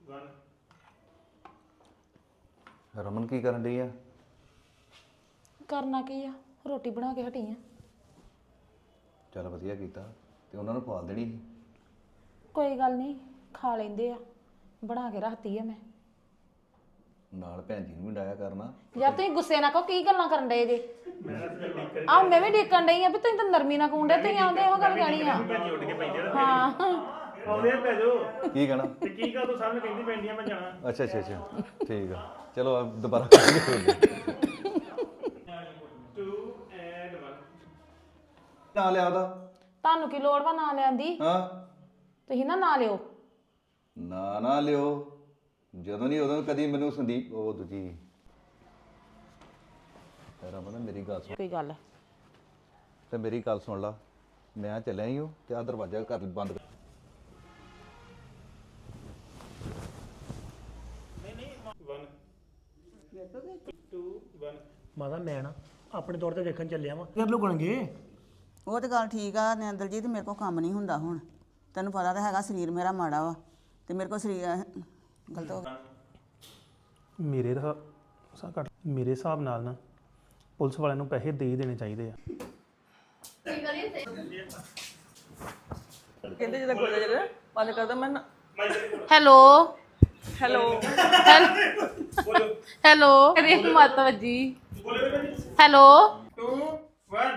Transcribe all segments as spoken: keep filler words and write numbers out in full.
ਰਮਨ ਕੀ ਕਰਨ ਡਈ ਆ? ਕਰਨਾ ਕੀ ਆ, ਰੋਟੀ ਬਣਾ ਕੇ ਹਟੀ ਆ। ਚੱਲ ਵਧੀਆ ਕੀਤਾ। ਤੇ ਉਹਨਾਂ ਨੂੰ ਪਾਲ ਦੇਣੀ ਸੀ। ਕੋਈ ਗੱਲ ਨਹੀਂ, ਖਾ ਲੈਂਦੇ ਆ, ਬਣਾ ਕੇ ਰੱਖਤੀ ਆ ਮੈਂ। ਨਾਲ ਭੈਣ ਜੀ ਨੂੰ ਵੀ ਡਾਇਆ ਕਰਨਾ। ਯਾਰ ਤੁਸੀਂ ਗੁੱਸੇ ਨਾ ਕਹੋ, ਕੀ ਗੱਲਾਂ ਕਰਨ ਡਏ ਜੇ? ਆਹ ਮੈਂ ਵੀ ਡੇਕਣ ਡਈ ਆ ਵੀ ਤੁਸੀਂ ਤਾਂ ਨਰਮੀ ਨਾਲ ਕੂੰਡੇ, ਤੁਸੀਂ ਆਉਂਦੇ ਇਹੋ ਗੱਲ ਕਹਿਣੀ ਆ। ਹਾਂ ਆਉਂਦੇ ਪੈ ਜਾਓ ਕੀ ਕਹਿਣਾ? ਤੇ ਕੀ ਗੱਲ ਤੂੰ ਸਾਹਮਣੇ ਕਹਿੰਦੀ ਪੈਂਦੀਆਂ ਮੈਂ ਜਾਣਾ। ਅੱਛਾ ਅੱਛਾ ਅੱਛਾ ਠੀਕ ਆ, ਚਲੋ ਆ ਦੁਬਾਰਾ ਕਰਾਂਗੇ। ਟੂ ਐਂਡ ਵਨ ਨਾ ਲਿਆ ਉਹਦਾ। ਤੁਹਾਨੂੰ ਕੀ ਲੋੜ ਵਾ ਨਾਂ ਲੈਣ ਦੀ? ਹਾਂ ਤੁਸੀਂ ਨਾ ਨਾਂ ਲਿਓ। ਨਾ ਨਾ ਲਿਓ, ਜਦੋਂ ਨਹੀਂ ਉਦੋਂ ਕਦੀ ਮੈਨੂੰ ਸੰਦੀਪ ਉਹ ਦੂਜੀ ਰਮਨ ਮੇਰੀ ਗੱਲ ਸੁਣ। ਕੋਈ ਗੱਲ ਤੇ ਮੇਰੀ ਗੱਲ ਸੁਣ ਲਾ, ਮੈਂ ਚੱਲਿਆ ਹੀ ਹਾਂ ਤੇ ਆ ਦਰਵਾਜ਼ਾ ਘਰ ਬੰਦ ਕਰ। ਮਾਤਾ ਮੈਂ ਨਾ ਆਪਣੇ ਤੌਰ ਤੇ ਦੇਖਣ ਚੱਲਿਆ ਵਾਂ ਫਿਰ ਲੁਕਣਗੇ। ਉਹ ਤਾਂ ਗੱਲ ਠੀਕ ਆ ਨਿੰਦਰਜੀਤ, ਮੇਰੇ ਕੋਲ ਕੰਮ ਨਹੀਂ ਹੁੰਦਾ ਹੁਣ। ਤੈਨੂੰ ਪਤਾ ਤਾਂ ਹੈਗਾ ਸਰੀਰ ਮੇਰਾ ਮਾੜਾ ਵਾ ਤੇ ਮੇਰੇ ਕੋਲ ਸਰੀਰ ਗਲਤ ਹੋ ਗਿਆ। ਮੇਰੇ ਦਾ ਸਾ ਘੱਟ ਮੇਰੇ ਹਿਸਾਬ ਨਾਲ ਨਾ ਪੁਲਿਸ ਵਾਲਿਆਂ ਨੂੰ ਪੈਸੇ ਦੇ ਹੀ ਦੇਣੇ ਚਾਹੀਦੇ ਆ। ਕਹਿੰਦੇ ਜਦੋਂ ਗੋਲੇ ਜਿਹੜੇ ਬੰਦ ਕਰਦਾ ਮੈਂ ਹੈਲੋ ਹੈਲੋ ਹੈਲੋ ਕਰੀ ਮਤ ਵੱਜੀ। ਹੈਲੋ ਟੂ ਵਨ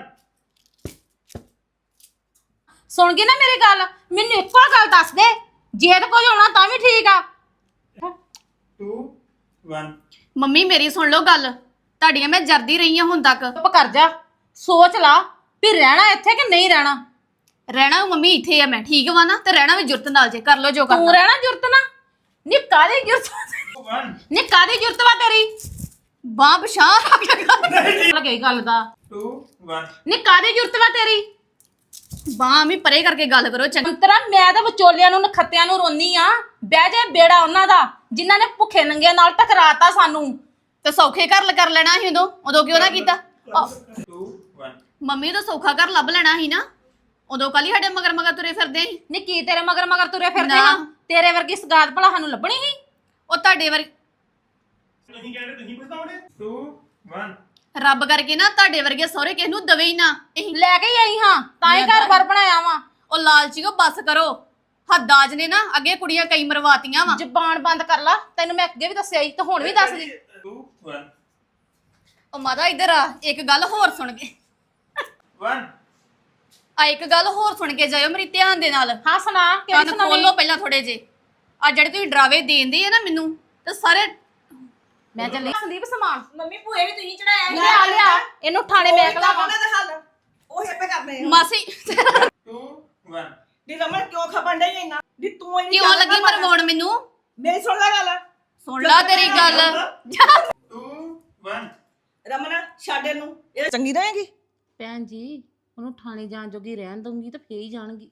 ਸੁਣ ਗਈ ਨਾ ਮੇਰੀ ਗੱਲ? ਮੈਨੂੰ ਇੱਕੋ ਗੱਲ ਦੱਸ ਦੇ, ਜੇ ਤੇ ਕੁਝ ਹੋਣਾ ਤਾਂ ਵੀ ਠੀਕ ਆ। ਟੂ ਵਨ ਮੰਮੀ ਮੇਰੀ ਸੁਣ ਲਓ ਗੱਲ, ਤੁਹਾਡੀਆਂ ਮੈਂ ਜਰਦੀ ਰਹੀ ਹਾਂ ਹੁਣ ਤੱਕ। ਚੁੱਪ ਕਰ ਜਾ, ਸੋਚ ਲਾ ਵੀ ਰਹਿਣਾ ਇੱਥੇ ਕਿ ਨਹੀਂ ਰਹਿਣਾ। ਰਹਿਣਾ ਮੰਮੀ ਇੱਥੇ ਆ ਮੈਂ, ਠੀਕ ਵਾ ਨਾ? ਤੇ ਰਹਿਣਾ ਵੀ ਜੁਰਤ ਨਾਲ, ਜੇ ਕਰ ਲਓ ਜੋ ਤੂੰ ਕਰਨਾ। ਰਹਿਣਾ ਜੁਰਤ ਨਾ? ਨੀ ਕਾਦੀ ਜੁਰਤ? ਵਨ ਨੇ ਕਾਦੀ ਜੁਰਤ ਵਾ ਤੇਰੀ? ਬਾਹ ਬਸ਼ਾਹ ਰੱਖ ਲੱਗੇ ਗੱਲ ਦਾ। ਟੂ ਵਨ ਨੇ ਕਾਦੀ ਜੁਰਤ ਵਾ ਤੇਰੀ? ਬਾਹ ਵੀ ਪਰੇ ਕਰਕੇ ਗੱਲ ਕਰੋ ਚੰਗਾ। ਅੰਤਰਾ ਮੈਂ ਤਾਂ ਵਿਚੋਲਿਆਂ ਨੂੰ ਨਖੱਤਿਆਂ ਨੂੰ ਰੋਨੀ ਆ। ਬਹਿ ਜਾ ਬੇੜਾ ਉਹਨਾਂ ਦਾ ਜਿਨ੍ਹਾਂ ਨੇ ਭੁੱਖੇ ਨੰਗਿਆਂ ਨਾਲ ਟਕਰਾਤਾ ਸਾਨੂੰ। ਤੇ ਸੌਖੇ ਘਰ ਕਰ ਲੈਣਾ ਸੀ ਉਦੋਂ, ਉਦੋਂ ਕਿਉਂ ਨਾ ਕੀਤਾ? ਟੂ ਵਨ ਮੰਮੀ ਤਾਂ ਸੌਖਾ ਘਰ ਲੱਭ ਲੈਣਾ ਸੀ ਨਾ, ਉਦੋਂ ਕੱਲ ਹੀ ਸਾਡੇ ਮਗਰ ਮਗਰ ਤੁਰੇ ਫਿਰਦੇ ਸੀ। ਨੀ ਕੀ ਤੇਰੇ ਮਗਰ ਮਗਰ ਤੁਰੇ ਫਿਰਦੇ ਨਾ। ਆ? ਤੇਰੇ ਵਰਗੀ ਸਗਾਤ ਭਲਾ ਸਾਨੂੰ ਲੱਭਣੀ ਸੀ? ਉਹ ਤੁਹਾਡੇ ਵਰ ਤੁਸੀਂ ਕਹਿ ਰਹੇ ਤੁਸੀਂ ਪਛਤਾਉਣੇ। ਟੂ ਵਨ ਰੱਬ ਕਰਕੇ ਨਾ ਤੁਹਾਡੇ ਵਰਗੇ ਸਹੁਰੇ ਕਿਸ ਨੂੰ ਦਵੇ ਹੀ ਨਾ। ਇਹ ਲੈ ਕੇ ਹੀ ਆਈ ਹਾਂ, ਤਾਂ ਹੀ ਘਰ ਬਾਰ ਬਣਾਇਆ ਵਾ। ਉਹ ਲਾਲਚੀਓ ਬਸ ਕਰੋ। ਹੱਦਾਜ ਨੇ ਨਾ ਅੱਗੇ ਕੁੜੀਆਂ ਕਈ ਮਰਵਾਤੀਆਂ ਵਾ। ਜ਼ਬਾਨ ਬੰਦ ਕਰ ਲਾ, ਤੈਨੂੰ ਮੈਂ ਅੱਗੇ ਵੀ ਦੱਸਿਆ ਸੀ ਤੇ ਹੁਣ ਵੀ ਦੱਸ ਦੀ। ਟੂ ਵਨ ਉਹ ਮਾਤਾ ਇੱਧਰ ਆ, ਇੱਕ ਗੱਲ ਹੋਰ ਸੁਣ ਕੇ ਵਨ ਆ ਇੱਕ ਗੱਲ ਹੋਰ ਸੁਣ ਕੇ ਜਾਇਓ ਮੇਰੀ ਧਿਆਨ ਦੇ ਨਾਲ। ਹਾਂ ਸੁਣਾ, ਕਿਹੜੀ ਕੰਨ ਸੁਣਾਉਣੀ? ਖੋਲੋ ਪਹਿਲਾਂ ਥੋੜੇ ਜੇ। ਆ ਜਿਹੜੇ ਤੁਸੀਂ ਡਰਾਵੇ ਦੇਂਦੇ ਆ ਨਾ ਮੈਨੂੰ, ਤੇ ਸਾਰੇ ਮੈਂ ਚੱਲੀ ਸੰਦੀਪ ਸਮਾਨ ਮੰਮੀ ਭੂਏ ਵੀ ਤੁਸੀਂ ਚੜਾਇਆ ਲਿਆ ਲਿਆ ਇਹਨੂੰ ਥਾਣੇ ਮੈਕ ਲਾ ਵਾ। ਹੱਲ ਉਹ ਹਿੱਪੇ ਕਰਨੇ ਆ। ਮਾਸੀ ਟੂ ਵਨ ਦੀ ਰਮਨ ਕਿਉਂ ਖਪਣ ਡਈ ਇੰਨਾ? ਦੀ ਤੂੰ ਇੰਨੀ ਕਿਉਂ ਲੱਗੀ ਮਰਵਾਉਣ ਮੈਨੂੰ? ਮੇਰੀ ਸੁਣ ਲੈ ਗੱਲ। ਸੁਣ ਲਾ ਤੇਰੀ ਗੱਲ। ਟੂ ਵਨ ਰਮਨ ਛੱਡ ਇਹਨੂੰ, ਇਹ ਚੰਗੀ ਰਹੇਗੀ। ਭੈਣ ਜੀ ਉਹਨੂੰ ਥਾਣੇ ਜਾਣ ਜੋਗੀ ਰਹਿਣ ਦਊਂਗੀ ਤਾਂ ਫੇਰ ਹੀ ਜਾਣਗੀ।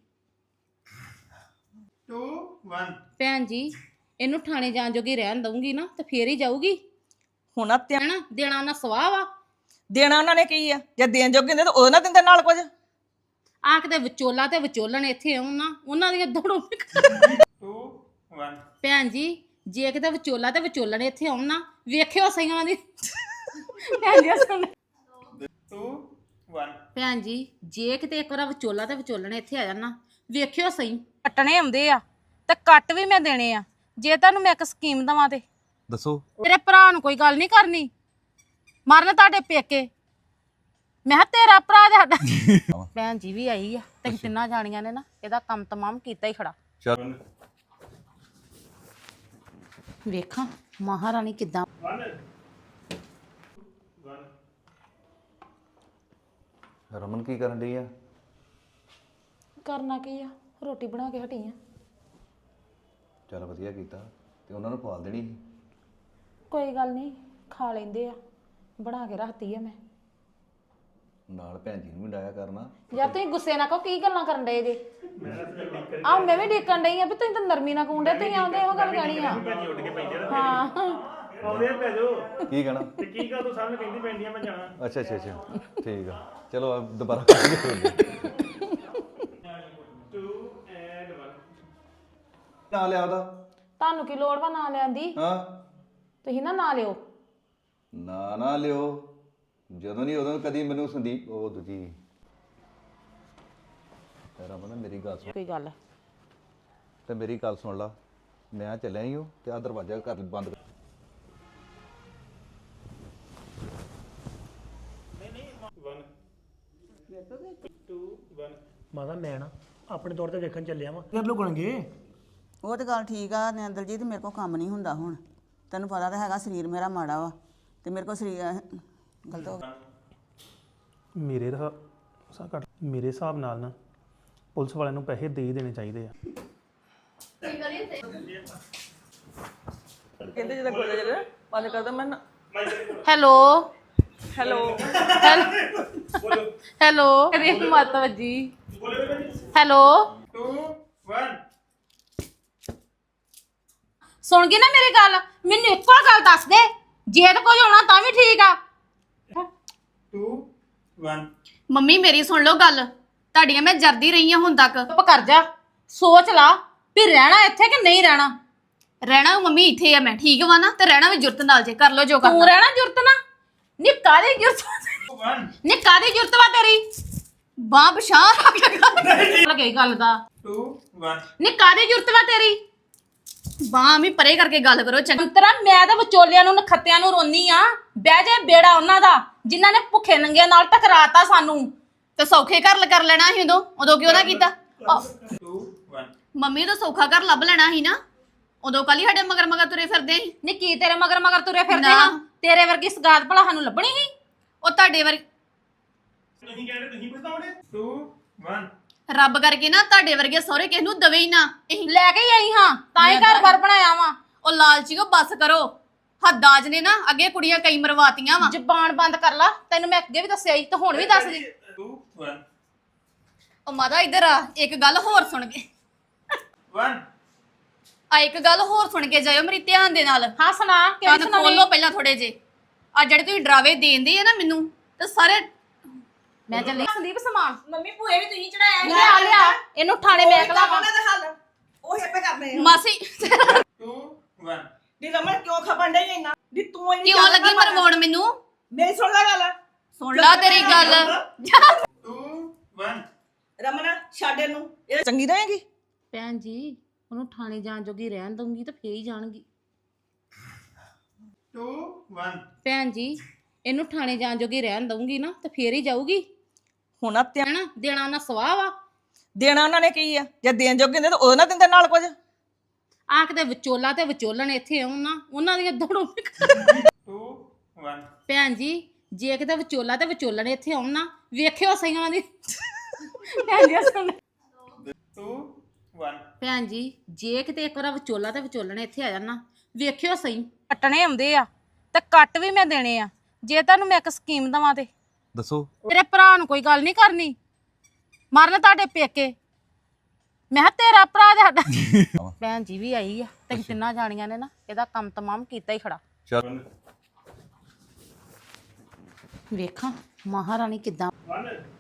ਟੂ ਵਨ ਭੈਣ ਜੀ ਇਹਨੂੰ ਥਾਣੇ ਜਾਣ ਜੋਗੀ ਰਹਿਣ ਦਊਂਗੀ ਨਾ ਤਾਂ ਫੇਰ ਹੀ ਜਾਊਗੀ। ਹੁਣ ਆ ਧਿਆਨ ਹੈਨਾ ਦੇਣਾ ਉਹਨਾਂ ਸਵਾਹ ਵਾ। ਦੇਣਾ ਉਹਨਾਂ ਨੇ ਕੀ ਆ? ਜੇ ਦੇਣ ਜੋਗੇ ਹੁੰਦੇ ਤਾਂ ਉਹ ਨਾ ਦਿੰਦੇ ਨਾਲ ਕੁਝ। ਆ ਕਿਤੇ ਵਿਚੋਲਾ ਤੇ ਵਿਚੋਲਣ ਇੱਥੇ ਆਉਣ ਨਾ, ਉਹਨਾਂ ਦੀਆਂ ਦੜੋਂ। ਟੂ ਵਨ ਭੈਣ ਜੀ ਜੇ ਕਿਤੇ ਵਿਚੋਲਾ ਤੇ ਵਿਚੋਲਣ ਇੱਥੇ ਆਉਣ ਨਾ, ਵੇਖਿਓ ਸਹੀ ਉਹਨਾਂ ਦੀ। ਭੈਣ ਜੀ ਸੁਣ, ਟੂ ਵਨ ਭੈਣ ਜੀ ਜੇ ਕਿਤੇ ਇੱਕ ਵਾਰ ਵਿਚੋਲਾ ਤੇ ਵਿਚੋਲਣ ਇੱਥੇ ਆ ਜਾਣ ਨਾ, ਵੇਖਿਓ ਸਹੀ। ਕੱਟਣੇ ਆਉਂਦੇ ਆ ਤੇ ਕੱਟ ਵੀ ਮੈਂ ਦੇਣੇ ਆ ਜੇ ਤੁਹਾਨੂੰ ਮੈਂ ਇੱਕ ਸਕੀਮ ਦਵਾਂ ਤੇ। ਦੱਸੋ। ਤੇਰੇ ਭਰਾ ਨੂੰ ਕੋਈ ਗੱਲ ਨਹੀਂ ਕਰਨੀ, ਮਰਨ ਤੁਹਾਡੇ ਪੇਕੇ। ਮੈਂ ਕਿਹਾ ਤੇਰਾ ਭਰਾ ਤੇ ਸਾਡਾ। ਭੈਣ ਜੀ ਵੀ ਆਈ ਆ ਤੇ ਤਿੰਨਾਂ ਜਾਣੀਆਂ ਨੇ ਨਾ ਇਹਦਾ ਕੰਮ ਤਮਾਮ ਕੀਤਾ ਹੀ ਖੜਾ। ਚੱਲ ਵੇਖਾਂ ਮਹਾਰਾਣੀ ਕਿੱਦਾਂ। ਰਮਨ ਕੀ ਕਰਨ ਡਈ ਆ? ਕਰਨਾ ਕੀ ਆ, ਰੋਟੀ ਬਣਾ ਕੇ ਹਟੀ ਆ। ਚੱਲ ਵਧੀਆ ਕੀਤਾ। ਤੇ ਉਹਨਾਂ ਨੂੰ ਪਾਲ ਦੇਣੀ ਸੀ। ਕੋਈ ਗੱਲ ਨਹੀਂ, ਖਾ ਲੈਂਦੇ ਆ, ਬਣਾ ਕੇ ਰੱਖਤੀ ਆ ਮੈਂ। ਨਾਲ ਭੈਣ ਜੀ ਨੂੰ ਵੀ ਡਾਇਆ ਕਰਨਾ। ਯਾਰ ਤੁਸੀਂ ਗੁੱਸੇ ਨਾ ਕਹੋ, ਕੀ ਗੱਲਾਂ ਕਰਨ ਡਏ ਜੇ? ਆਹ ਮੈਂ ਵੀ ਡੇਕਣ ਡਈ ਆ ਵੀ ਤੁਸੀਂ ਤਾਂ ਨਰਮੀ ਨਾਲ ਕੂੰਡੇ, ਤੁਸੀਂ ਆਉਂਦੇ ਇਹੋ ਗੱਲ ਕਹਿਣੀ ਆ। ਹਾਂ ਆਉਂਦੇ ਪੈ ਜਾਓ ਕੀ ਕਹਿਣਾ? ਤੇ ਕੀ ਗੱਲ ਤੂੰ ਸਾਹਮਣੇ ਕਹਿੰਦੀ ਪੈਂਦੀਆਂ ਮੈਂ ਜਾਣਾ। ਅੱਛਾ ਅੱਛਾ ਅੱਛਾ ਠੀਕ ਆ, ਚਲੋ ਆ ਦੁਬਾਰਾ ਕਰਾਂਗੇ। ਟੂ ਐਂਡ ਵਨ ਨਾ ਲਿਆ ਉਹਦਾ। ਤੁਹਾਨੂੰ ਕੀ ਲੋੜ ਵਾ ਨਾ ਲੈਣ ਦੀ ਹਾਂ ਤੁਸੀਂ ਨਾ ਨਾ ਲਿਓ ਨਾ ਨਾ ਲਿਓ ਜਦੋਂ ਨਹੀਂ ਉਦੋਂ ਕਦੀ ਮੈਨੂੰ ਸੰਦੀਪ ਉਹ ਦੂਜੀ ਰਮਨ ਮੇਰੀ ਗੱਲ ਸੁਣ ਕੋਈ ਗੱਲ ਤੇ ਮੇਰੀ ਗੱਲ ਸੁਣ ਲਾ ਮੈਂ ਚੱਲਿਆ ਹੀ ਹਾਂ ਤੇ ਆ ਦਰਵਾਜ਼ਾ ਕਰ ਬੰਦ ਕਰ ਮਾਤਾ ਮੈਂ ਨਾ ਆਪਣੇ ਤੌਰ ਤੇ ਵੇਖਣ ਚੱਲਿਆ ਵਾਂ ਫਿਰ ਲੁਕਣਗੇ ਉਹ ਤੇ ਗੱਲ ਠੀਕ ਆ ਨੇ ਦਲਜੀਤ ਮੇਰੇ ਕੋਲ ਕੰਮ ਨਹੀਂ ਹੁੰਦਾ ਹੁਣ ਤੈਨੂੰ ਪਤਾ ਤਾਂ ਹੈਗਾ ਸਰੀਰ ਮੇਰਾ ਮਾੜਾ ਵਾ ਤੇ ਮੇਰੇ ਕੋਲ ਸਰੀਰ ਗਲਤ ਹੋ ਗਿਆ ਮੇਰੇ ਦਾ ਸਾ ਘੱਟ ਮੇਰੇ ਹਿਸਾਬ ਨਾਲ ਨਾ ਪੁਲਿਸ ਵਾਲਿਆਂ ਨੂੰ ਪੈਸੇ ਦੇ ਹੀ ਦੇਣੇ ਚਾਹੀਦੇ ਆ ਕਹਿੰਦੇ ਜਦੋਂ ਕੋਲ ਜਦੋਂ ਬੰਦ ਕਰਦਾ ਮੈਂ ਹੈਲੋ ਹੈਲੋ ਹੈਲੋ ਅਰੇ ਮਾਤਾ ਜੀ ਹੈਲੋ two one ਸੁਣ ਗਈ ਨਾ ਮੇਰੀ ਗੱਲ ਮੈਨੂੰ ਇੱਕੋ ਗੱਲ ਦੱਸ ਦੇ ਜੇ ਤਾਂ ਕੁਝ ਹੋਣਾ ਤਾਂ ਵੀ ਠੀਕ ਆ two one ਮੰਮੀ ਮੇਰੀ ਸੁਣ ਲਓ ਗੱਲ ਤੁਹਾਡੀਆਂ ਮੈਂ ਜਰਦੀ ਰਹੀ ਹਾਂ ਹੁਣ ਤੱਕ ਚੁੱਪ ਕਰ ਜਾ ਸੋਚ ਲਾ ਵੀ ਰਹਿਣਾ ਇੱਥੇ ਕਿ ਨਹੀਂ ਰਹਿਣਾ ਰਹਿਣਾ ਮੰਮੀ ਇੱਥੇ ਆ ਮੈਂ ਠੀਕ ਵਾ ਨਾ ਤੇ ਰਹਿਣਾ ਵੀ ਜੁਰਤ ਨਾਲ ਜੇ ਕਰ ਲਓ ਜੋ ਤੂੰ ਕਰਨਾ ਰਹਿਣਾ ਜੁਰਤ ਨਾ ਨੀ ਕਾਦੀ ਜੁਰਤ one ਨੀ ਕਾਦੀ ਜੁਰਤ ਵਾ ਤੇਰੀ ਬਾਹ ਬਸ਼ਾਹ ਰੱਖ ਲਗਾ ਲੱਗੇ ਗੱਲ ਦਾ two one ਨੀ ਕਾਦੀ ਜੁਰਤ ਵਾ ਤੇਰੀ ਬਾਹ ਵੀ ਪਰੇ ਕਰਕੇ ਗੱਲ ਕਰੋ ਚੰਗਾ ਅੰਤਰਾ ਮੈਂ ਤਾਂ ਵਿਚੋਲਿਆਂ ਨੂੰ ਨਖੱਤਿਆਂ ਨੂੰ ਰੋਨੀ ਆ ਬਹਿ ਜਾ ਬੇੜਾ ਉਹਨਾਂ ਦਾ ਜਿਨ੍ਹਾਂ ਨੇ ਭੁੱਖੇ ਨੰਗਿਆਂ ਨਾਲ ਟਕਰਾਤਾ ਸਾਨੂੰ ਤੇ ਸੌਖੇ ਘਰ ਕਰ ਲੈਣਾ ਸੀ ਉਦੋਂ ਉਦੋਂ ਕਿਉਂ ਨਾ ਕੀਤਾ ਆਹ, two one ਮੰਮੀ ਤਾਂ ਸੌਖਾ ਘਰ ਲੱਭ ਲੈਣਾ ਸੀ ਨਾ ਉਦੋਂ ਕੱਲ ਹੀ ਸਾਡੇ ਮਗਰ ਮਗਰ ਤੁਰੇ ਫਿਰਦੇ ਸੀ ਨੀ ਕੀ ਤੇਰੇ ਮਗਰ ਮਗਰ ਤੁਰੇ ਫਿਰਦੇ ਨਾ। ਹਾਂ ਤੇਰੇ ਵਰਗੀ ਸਗਾਤ ਭਲਾ ਸਾਨੂੰ ਲੱਭਣੀ ਸੀ ਉਹ ਤੁਹਾਡੇ ਵਰ ਤੁਸੀਂ ਕਹਿ ਰਹੇ ਤੁਸੀਂ ਪਛਤਾਉਣੇ two one ਰੱਬ ਕਰਕੇ ਨਾ ਤੁਹਾਡੇ ਵਰਗੇ ਸਹੁਰੇ ਕਿਸ ਨੂੰ ਦਵੇ ਹੀ ਨਾ ਇਹ ਲੈ ਕੇ ਹੀ ਆਈ ਹਾਂ ਤਾਂ ਹੀ ਘਰ ਬਾਰ ਬਣਾਇਆ ਵਾ ਉਹ ਲਾਲਚੀਓ ਬੱਸ ਕਰੋ ਹੱਦਾਜ ਨੇ ਨਾ ਅੱਗੇ ਕੁੜੀਆਂ ਕਈ ਮਰਵਾਤੀਆਂ ਵਾ ਜ਼ਬਾਨ ਬੰਦ ਕਰ ਲਾ ਤੈਨੂੰ ਮੈਂ ਅੱਗੇ ਵੀ ਦੱਸਿਆ ਸੀ ਤੇ ਹੁਣ ਵੀ ਦੱਸ ਦੀ two one ਉਹ ਮਾਤਾ ਇੱਧਰ ਆ ਇੱਕ ਗੱਲ ਹੋਰ ਸੁਣ ਕੇ one ਆ ਇੱਕ ਗੱਲ ਹੋਰ ਸੁਣ ਕੇ ਜਾਇਓ ਮੇਰੀ ਧਿਆਨ ਦੇ ਨਾਲ ਹਾਂ ਸੁਣਾ ਕਿਹੜੀ ਕੰਨ ਸੁਣਾਵੀਂ ਖੋਲੋ ਪਹਿਲਾਂ ਥੋੜੇ ਜੇ ਆ ਜਿਹੜੇ ਤੁਸੀਂ ਡਰਾਵੇ ਦੇਂਦੇ ਆ ਨਾ ਮੈਨੂੰ ਤੇ ਸਾਰੇ ਮੈਂ ਚੱਲੀ ਸੰਦੀਪ ਸਮਾਨ ਮੰਮੀ ਭੂਏ ਵੀ ਤੁਸੀਂ ਚੜਾਇਆ ਲਿਆ ਲਿਆ ਇਹਨੂੰ ਥਾਣੇ ਮੈਂ ਕਲਾ ਉਹਨਾਂ ਦਾ ਹੱਲ ਉਹ ਹੇਪੇ ਕਰਨੇ ਆ ਮਾਸੀ two one ਦੀ ਰਮਨ ਕਿਉਂ ਖਪਣ ਡਈ ਇੰਨਾ ਦੀ ਤੂੰ ਇੰਨੀ ਕਿਉਂ ਗੱਲ ਲੱਗੀ ਨਾ ਮਰਵਾਉਣ ਮੈਨੂੰ ਮੇਰੀ ਸੁਣ ਲੈ ਗੱਲ ਸੁਣ ਲਾ ਤੇਰੀ ਗੱਲ two one ਰਮਨ ਛੱਡ ਇਹਨੂੰ ਇਹ ਚੰਗੀ ਰਹੇਗੀ ਭੈਣ ਜੀ ਉਹਨੂੰ ਥਾਣੇ ਜਾਣ ਜੋਗੀ ਰਹਿਣ ਦਊਂਗੀ ਤਾਂ ਫੇਰ ਹੀ ਜਾਣਗੀ two one ਭੈਣ ਜੀ ਇਹਨੂੰ ਥਾਣੇ ਜਾਣ ਜੋਗੀ ਰਹਿਣ ਦਊਂਗੀ ਨਾ ਤਾਂ ਫੇਰ ਹੀ ਜਾਊਗੀ ਹੁਣ ਆ ਧਿਆਨ ਹੈਨਾ ਦੇਣਾ ਉਹਨਾਂ ਸਵਾਹ ਵਾ ਦੇਣਾ ਉਹਨਾਂ ਨੇ ਕੀ ਆ ਜੇ ਦੇਣ ਜੋਗੇ ਹੁੰਦੇ ਤਾਂ ਉਹ ਨਾ ਦਿੰਦੇ ਨਾਲ ਕੁਝ ਆਖ ਦੇ ਵਿਚੋਲਾ ਤੇ ਵਿਚੋਲਣ ਇੱਥੇ ਆਉਣ ਨਾ ਉਹਨਾਂ ਦੀਆਂ ਦੜੋਂ two one ਭੈਣ ਜੀ ਜੇ ਕਿਤੇ ਵਿਚੋਲਾ ਤੇ ਵਿਚੋਲਣ ਇੱਥੇ ਆਉਣ ਨਾ ਵੇਖਿਓ ਸਹੀ ਉਹਨਾਂ ਦੀ ਭੈਣ ਜੀ ਸੁਣ two one ਭੈਣ ਜੀ ਜੇ ਕਿਤੇ ਇੱਕ ਵਾਰ ਵਿਚੋਲਾ ਤੇ ਵਿਚੋਲਣ ਇੱਥੇ ਆ ਜਾਣ ਨਾ ਵੇਖਿਓ ਸਹੀ ਕੱਟਣੇ ਆਉਂਦੇ ਆ ਤੇ ਕੱਟ ਵੀ ਮੈਂ ਦੇਣੇ ਆ ਜੇ ਤੁਹਾਨੂੰ ਮੈਂ ਇੱਕ ਸਕੀਮ ਦਵਾਂ ਤੇ ਦੱਸੋ ਤੇਰੇ ਭਰਾ ਨੂੰ ਕੋਈ ਗੱਲ ਨਹੀਂ ਕਰਨੀ ਮਰਨ ਤੁਹਾਡੇ ਪੇਕੇ ਮੈਂ ਕਿਹਾ ਤੇਰਾ ਭਰਾ ਤੇ ਸਾਡਾ ਭੈਣ ਜੀ ਵੀ ਆਈ ਆ ਤੇ ਤਿੰਨਾਂ ਜਾਣੀਆਂ ਨੇ ਨਾ ਇਹਦਾ ਕੰਮ ਤਮਾਮ ਕੀਤਾ ਹੀ ਖੜਾ ਚੱਲ ਵੇਖਾਂ ਮਹਾਰਾਣੀ ਕਿੱਦਾਂ one